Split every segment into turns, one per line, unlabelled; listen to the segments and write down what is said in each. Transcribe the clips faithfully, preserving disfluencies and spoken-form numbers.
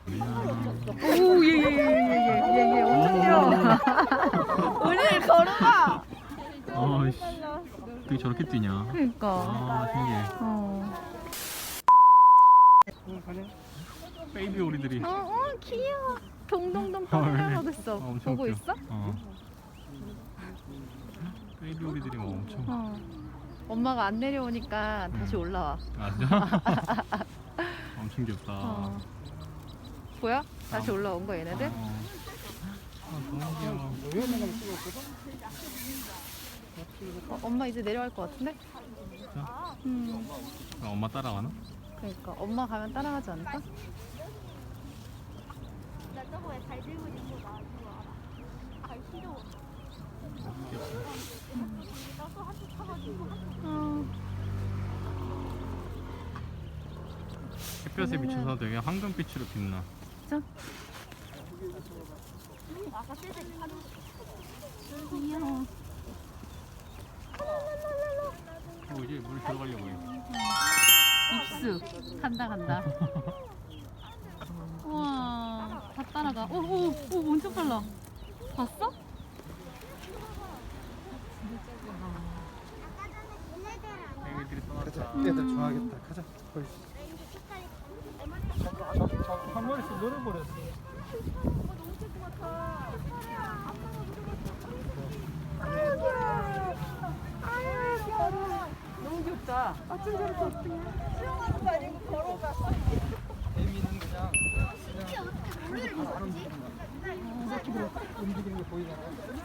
오예예예예예예 엄청 뛰어. 우리 걸어가.
아이씨, 어떻게 저렇게 뛰냐?
그러니까.
아, 신기해.
어.
베이비 오리들이.
어, 어 귀여워. 동동동
헐.
떠나가고 있어.
아, 엄청
보고
웃겨.
있어?
어. 베이비 오리들이 막 엄청.
어. 엄마가 안 내려오니까 다시
음.
올라와.
아, 진짜? 엄청 귀엽다.
어. 보여? 다시
아.
올라온 거 얘네들?
어. 아, 너무 귀여워.
어, 엄마 이제 내려갈 것 같은데?
진짜?
음.
아, 엄마 따라가나?
그러니까 엄마 가면 따라가지 않을까?
나 저거에 잘 들고 있는 거 나 이거 알아. 잘 싫어. 나도 한쪽 타가지고
어.
햇볕에 비춰서 되게 황금빛으로 빛나.
진짜?
아까 쎄쎄 하는
귀여워.
어, 이제 물 들어가려고 해.
입수 간다 간다. 우와 다 따라가. 오오오 엄청 빨라. 봤어?
애기들이 떠났다.
애들 좋아하겠다. 가자. 거기. 한 마리씩 놀아버렸어.
너무 귀엽다.
애미는 그냥 그냥 움직이는 게 보이잖아.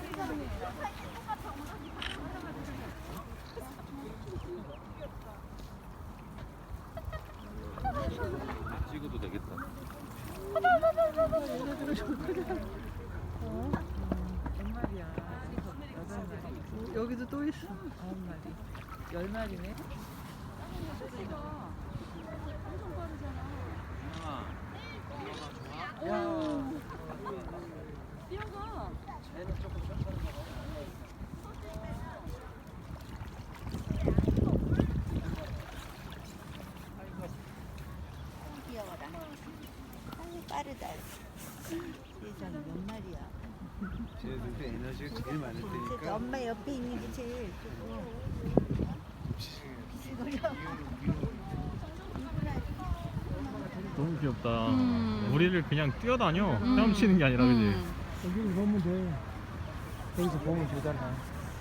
찍어도 되겠다.
여기도 또 있어.
아홉 마리, 열 마리네.
귀여워라. 아유 빠르다. 세상에 몇 마리야.
쟤들도 에너지가 제일 많을
그래서
테니까.
엄마 옆에 있는 게 제일 좋고. 비스거려.
너무 귀엽다.
음.
우리를 그냥 뛰어다녀.
음.
헤엄치는 게 아니라, 그지?
음.
여기 보면 돼. 여기서 보면 되잖아.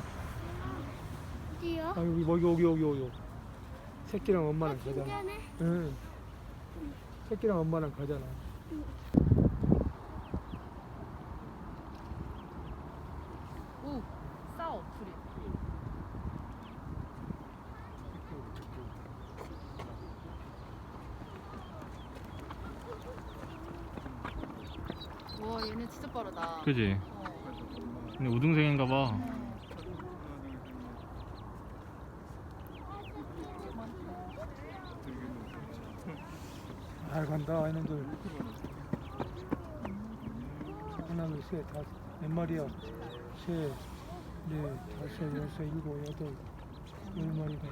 어디요?
아 여기 여기 여기 여기 여기. 새끼랑 엄마랑 가잖아.
신기하네.
응. 새끼랑 엄마랑 가잖아.
오 싸워 둘이. 와 얘네 진짜 빠르다.
그지?
어.
근데 우등생인가 봐.
잘 간다 이놈들. 하나 둘셋 다섯 몇 마리야? 셋, 넷, 다섯, 여섯, 일곱, 여덟, 열 마리다.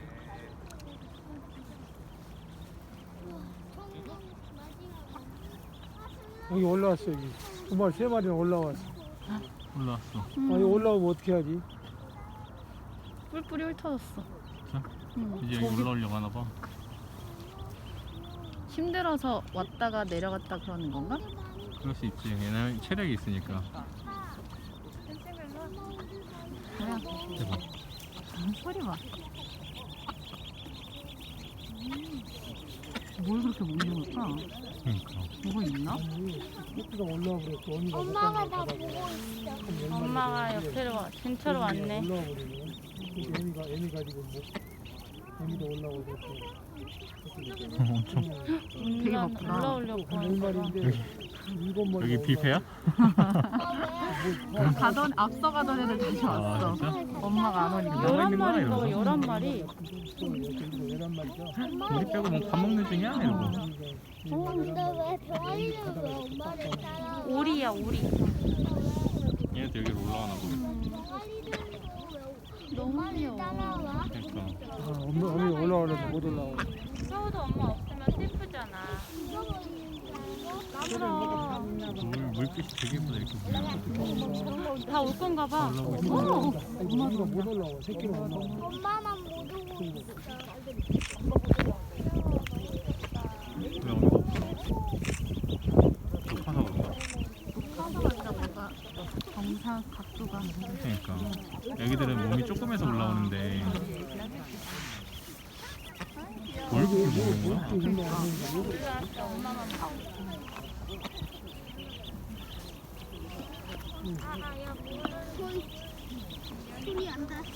여기 올라왔어 여기. 두 마리 세 마리는 올라왔어.
올라왔어.
음.
아 여기 올라오면 어떻게 하지?
뿔뿔이 훑어졌어.
진짜?
응.
이제 여기 올라오려고 하나 봐.
힘들어서 왔다가 내려갔다 그러는 건가?
그럴 수 있지. 얘네 체력이 있으니까.
뭐야?
대박.
음, 소리 봐. 음. 뭘 그렇게 먹는 걸까?
그러니까.
뭐가 있나?
아니 새끼가 올라와 버렸어. 언니가
엄마가
못
나
가다가.
보고 있어.
그럼 열 마리가
엄마가
되는데
옆으로 와, 근처로 왔네.
올라와 버리네. 애미가 애미 가지고 뭐 애미도 올라오고 그랬어.
엄청.
되게
올라-
바쁘다.
올라오려고
열
하는 거봐.
마리인데 일곱 마리.
여기 뷔페야?
가던 앞서 가던 애들 다시
아,
왔어.
진짜?
엄마가 안 오니까.
열한
열한
있는 거야,
마리인가 봐,
이러면서?
열한 마리.
열한 마리죠.
우리 빼고 뭐 밥 먹는 중이야? 이러고.
어, 근데 왜 병아리는 왜 엄마를 따라?
오리야, 오리.
얘네도 여기로 올라가나 보네.
병아리들은 왜
너무
엄마를
귀여워.
따라와?
그러니까.
아, 엄마 엄마 올라오려면 못 올라와.
서우도 엄마 없으면 슬프잖아.
죽어버리는 줄 알고?
까불어.
물, 물빛이 되게 예쁘다 이렇게 보면.
다 올 건가 봐.
올라오고 있어.
오!
아니 우리가 못 올라와. 새끼는 못 올라와.
엄마만 못 오고 있어.
왜 어미가 없어? 높아서 그런가?
카드가 진짜 뭔가 정상 각도가.
그러니까 애기들은 몸이 조금해서 올라오는데 뭘 그렇게 먹는 거야?
아야 소리 소리 안 나.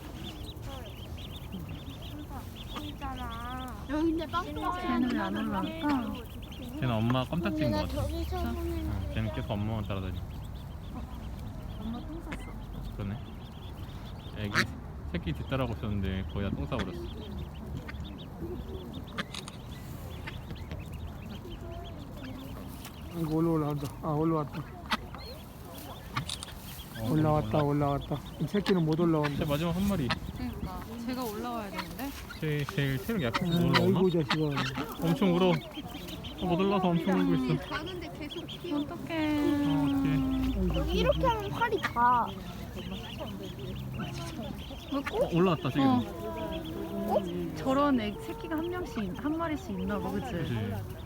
있잖아. 여기 근데 빵빵.
쟤는 왜 안 올라올까?
쟤는 엄마 껌딱지인 것
내가
같아.
저기서 보는
어, 쟤는 계속 엄마만 따라다녀.
엄마 똥 쌌어.
그러네. 애기 새끼 뒤따라고 있었는데 거의 다 똥 싸버렸어.
이거 올라온다. 아 올라왔다.
어,
올라왔다 올라왔다. 이 새끼는 못 올라온다.
쟤 마지막 한 마리.
그러니까 제가 올라와야 되는데.
쟤 제일 체력 약해서 못
아,
올라오나?
아이고 자식아.
엄청 울어. 어, 못 올라서 엄청 울고 있어.
가는데 계속 튀어.
어떡해.
어, 어떡해.
여기 이렇게 하면 팔이 가.
어, 올라왔다 지금.
어? 저런 애 새끼가 한 명씩 한 마리씩 있나 봐, 그치?
그치.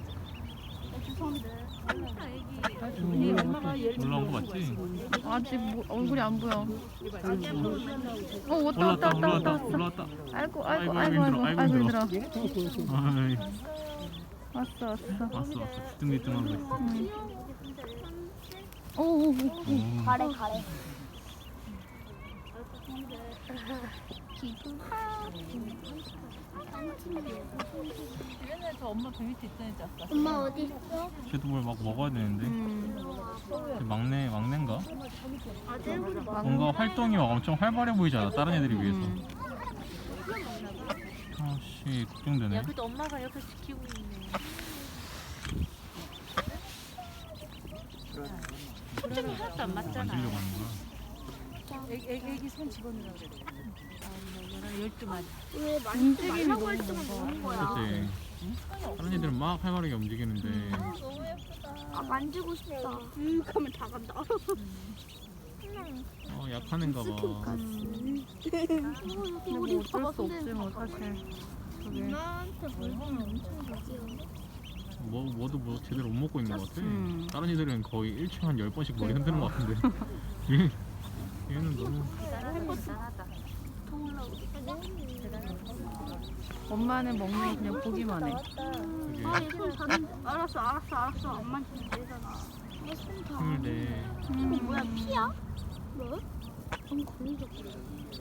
이 엄마가
올라온 거 맞지?
아직 뭐, 얼굴이 안 보여. 어 왔다
올라왔다
왔다 왔다
올라왔다
왔다.
올라왔다.
아이고
아이고,
아이고
아이고,
아이고
힘들어,
아이고
아이고,
아이고 힘들어.
아이,
왔어 왔어.
왔어 왔어. 뒤뚱뒤뚱하고 있어.
오오오.
오.
가래 가래.
얘네 저 엄마 배 밑에 있던 애지 아까.
엄마 어디 있어?
쟤도 뭘 막 먹어야 되는데.
음.
쟤 막내 막내인가?
아들보다
뭔가 활동이 막 엄청 활발해 보이잖아. 다른 애들에 비해서.
음.
아씨 걱정되네.
야, 그래도 엄마가 옆에 지키고 있네. 초점이 하나도 안 맞잖아.
만지려고 하는 거야.
애기, 애기 손 집어넣으라고 그래. 아, 열두 마리.
왜 만지지
움직임이
말라고
너무
할 때만
많아.
먹는 거야?
그치. 다른 애들은 막 활발하게 움직이는데
아 만지고 싶다. 음 가면 다 간다.
어, 약한 애인가 봐.
근데 뭐 어쩔 수 없지 뭐 사실. 저게.
엄마한테 물건 엄청 주지.
뭐, 뭐도 뭐 제대로 못 먹고 있는 것 같아.
음.
다른 애들은 거의 일주일에 한 열 번씩 머리 흔드는 것 같은데 얘, 얘는 너무
대단하다.
엄마는 먹는 거 그냥 보기만 해.
되게
손 자는데. 알았어 알았어 알았어. 안 만지면 되잖아. 손 다.
힘을 내.
이거 뭐야 피야? 뭐? 너무 걸리적거려.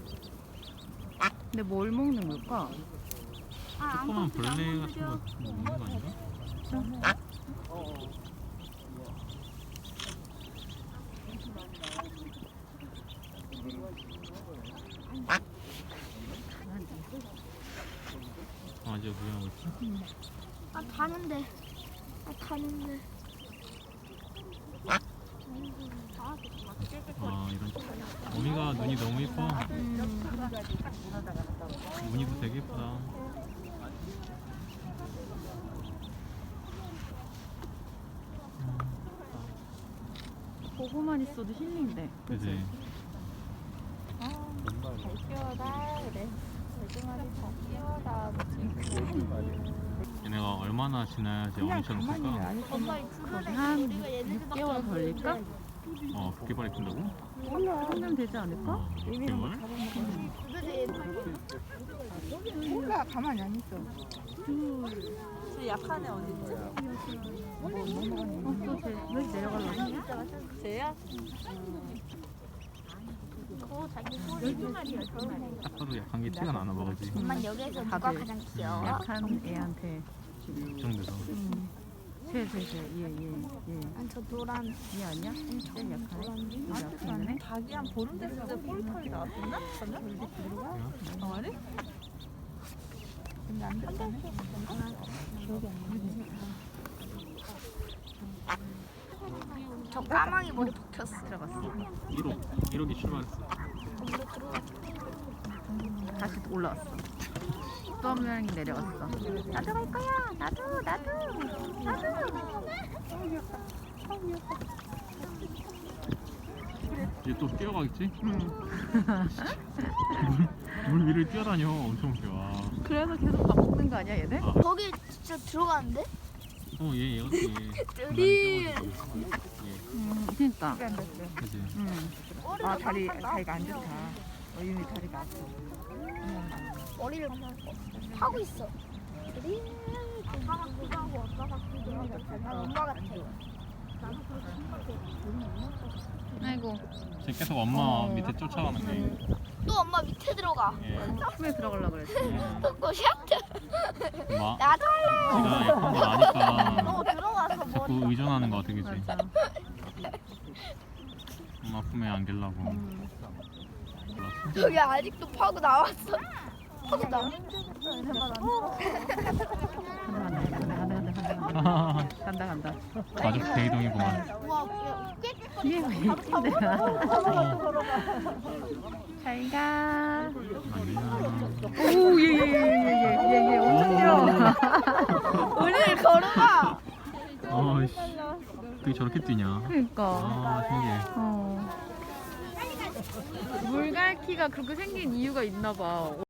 근데 뭘 먹는 걸까?
아,
조그만 벌레 같은 거 먹는 거 아닌가? 아, 이제 구경하고 있어?
아 타는데. 아 타는데.
아, 이런. 어미가 눈이 너무 예뻐. 무늬도 되게 예쁘다.
보고만 있어도 힐링돼.
그치? 얘네가 얼마나 지나야지 어미처럼 클까?
거기 한 육 개월 걸릴까?
어, 두 개발이 큰다고?
하면 되지 않을까?
어, 두 개발?
몰라, 가만히 안 있어. 저 약한 애 어딨지?
어, 또 쟤, 왜 내려가려고?
쟤야?
딱 봐도 약한 게 티가 나나 봐, 그치?
엄마 여기에서 누가
다들
가장 귀여워?
약한 애한테.
걱정돼서.
음. 쟤, 쟤, 쟤, 얘, 얘, 얘.
난 저 노란.
얘 아니야? 제일 약한 애? 여기 앞에 있는 애?
닭이 한 보름 됐을 때 폴털이 나왔었나? 어, 아니? 근데 안 됐다네.
저 까망이 머리 박혔어.
들어갔어.
일억, 일억이 출발했어.
다시 올라왔어. 또 한 명이 내려왔어. 나도 갈 거야. 나도 나도 나도.
얘 또 뛰어가겠지?
응.
물 위를 뛰어다녀. 엄청 웃겨. 와.
그래서 계속 밥 먹는 거 아니야 얘네?
아,
거기 진짜 들어가는데?
어, 얘, 얘 같지.
우리
얘.
응. 그러니까.
그지?
응.
아 다리 다리가 안 좋다. 어윤이 다리가 아파.
머리를 하고 있어. 우리 아빠가 그거 하고 아빠가 그거 하고 난 엄마 같아.
아이고.
쟤 계속 엄마
어.
밑에 쫓아가는 게.
또 엄마 밑에 들어가.
예.
품에 들어가려고 그랬지.
또 샤트.
엄마.
나도 할래.
지가 약한 거 나니까
너 들어가서
자꾸
머리.
의존하는 거 같아, 그지?
맞아.
엄마 품에 안기려고.
음.
몰랐어?
저기 아직도 파고 나왔어. 파고 나.
간다 간다.
가족 대이동이구만.
우와, 야, 꽤
뒤에 왜 이쁜데야? 잘 가.
안녕.
오예예예예예예 엄청 뛰어.
우리를 걸어가.
어이씨. 어떻게 저렇게 뛰냐?
그러니까.
아, 신기해.
어. 물갈퀴가 그렇게 생긴 이유가 있나 봐.